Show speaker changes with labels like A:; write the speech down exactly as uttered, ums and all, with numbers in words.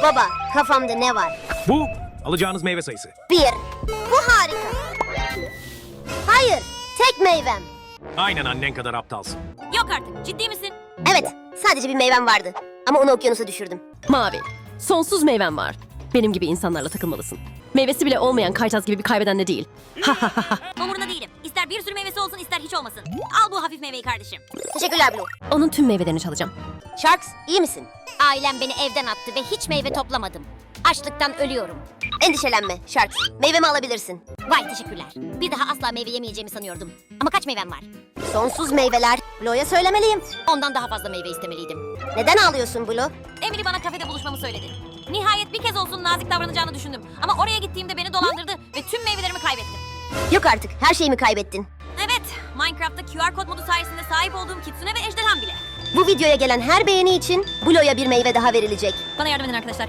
A: Baba, kafamda ne var?
B: Bu alacağınız meyve sayısı.
A: Bir. Bu harika. Hayır, tek meyvem.
B: Aynen annen kadar aptalsın.
C: Yok artık, ciddi misin?
A: Evet, sadece bir meyvem vardı. Ama onu okyanusa düşürdüm.
D: Mavi. Sonsuz meyven var. Benim gibi insanlarla takılmalısın. Meyvesi bile olmayan kaytaz gibi bir kaybeden de değil.
C: Umurunda değilim. İster bir sürü meyvesi olsun, ister hiç olmasın. Al bu hafif meyveyi kardeşim.
A: Teşekkürler Blue.
D: Onun tüm meyvelerini çalacağım.
A: Sharks, iyi misin?
C: Ailem beni evden attı ve hiç meyve toplamadım. Açlıktan ölüyorum.
A: Endişelenme Sharks. Meyvemi alabilirsin.
C: Vay teşekkürler. Bir daha asla meyve yemeyeceğimi sanıyordum. Ama kaç meyvem var?
A: Sonsuz meyveler. Blue'ya söylemeliyim.
C: Ondan daha fazla meyve istemeliydim.
A: Neden ağlıyorsun Blue?
C: Emily bana kafede buluşmamı söyledi. Nihayet bir kez olsun nazik davranacağını düşündüm. Ama oraya gittiğimde beni dolandırdı ve tüm meyvelerimi kaybettim.
A: Yok artık, her şeyimi kaybettin.
C: Evet, Minecraft'ta Q R kod modu sayesinde sahip olduğum kitsune ve ejderham bile.
A: Bu videoya gelen her beğeni için Blue'ya bir meyve daha verilecek.
C: Bana yardım edin arkadaşlar.